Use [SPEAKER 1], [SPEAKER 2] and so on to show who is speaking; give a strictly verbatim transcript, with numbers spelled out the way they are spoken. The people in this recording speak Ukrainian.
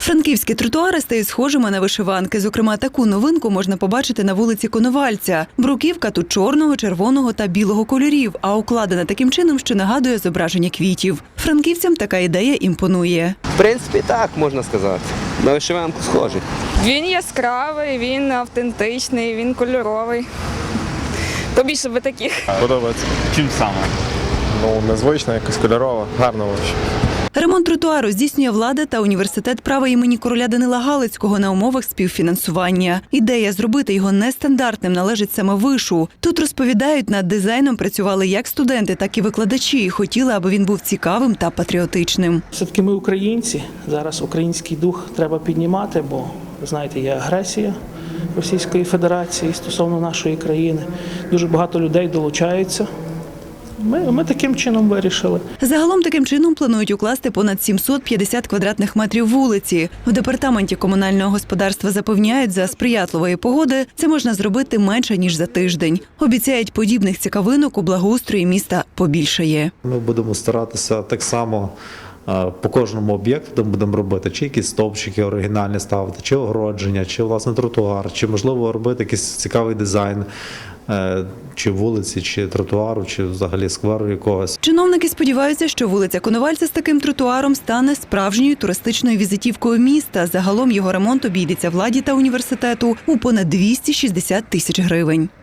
[SPEAKER 1] Франківські тротуари стають схожими на вишиванки. Зокрема, таку новинку можна побачити на вулиці Коновальця. Бруківка тут чорного, червоного та білого кольорів, а укладена таким чином, що нагадує зображення квітів. Франківцям така ідея імпонує.
[SPEAKER 2] В принципі, так можна сказати. На вишиванку схожий.
[SPEAKER 3] Він яскравий, він автентичний, він кольоровий. Побільше би таких.
[SPEAKER 4] Подобається.
[SPEAKER 5] Чим саме?
[SPEAKER 4] Ну, незвична, якось кольорова, гарно вообще.
[SPEAKER 1] Ремонт тротуару здійснює влада та університет права імені короля Данила Галицького на умовах співфінансування. Ідея зробити його нестандартним належить саме вишу. Тут, розповідають, над дизайном працювали як студенти, так і викладачі. Хотіли, аби він був цікавим та патріотичним.
[SPEAKER 6] Все-таки ми українці, зараз український дух треба піднімати, бо, знаєте, є агресія Російської Федерації стосовно нашої країни. Дуже багато людей долучаються. Ми, ми таким чином вирішили.
[SPEAKER 1] Загалом таким чином планують укласти понад сімсот п'ятдесят квадратних метрів вулиці. В департаменті комунального господарства запевняють, за сприятливої погоди це можна зробити менше, ніж за тиждень. Обіцяють, подібних цікавинок у благоустрої міста побільшає.
[SPEAKER 7] Ми будемо старатися так само по кожному об'єкту, де будемо робити, чи якісь стовпчики оригінальні ставити, чи огородження, чи власне тротуар, чи можливо робити якийсь цікавий дизайн, чи вулиці, чи тротуару, чи взагалі скверу якогось.
[SPEAKER 1] Чиновники сподіваються, що вулиця Коновальця з таким тротуаром стане справжньою туристичною візитівкою міста. Загалом його ремонт обійдеться владі та університету у понад двісті шістдесят тисяч гривень.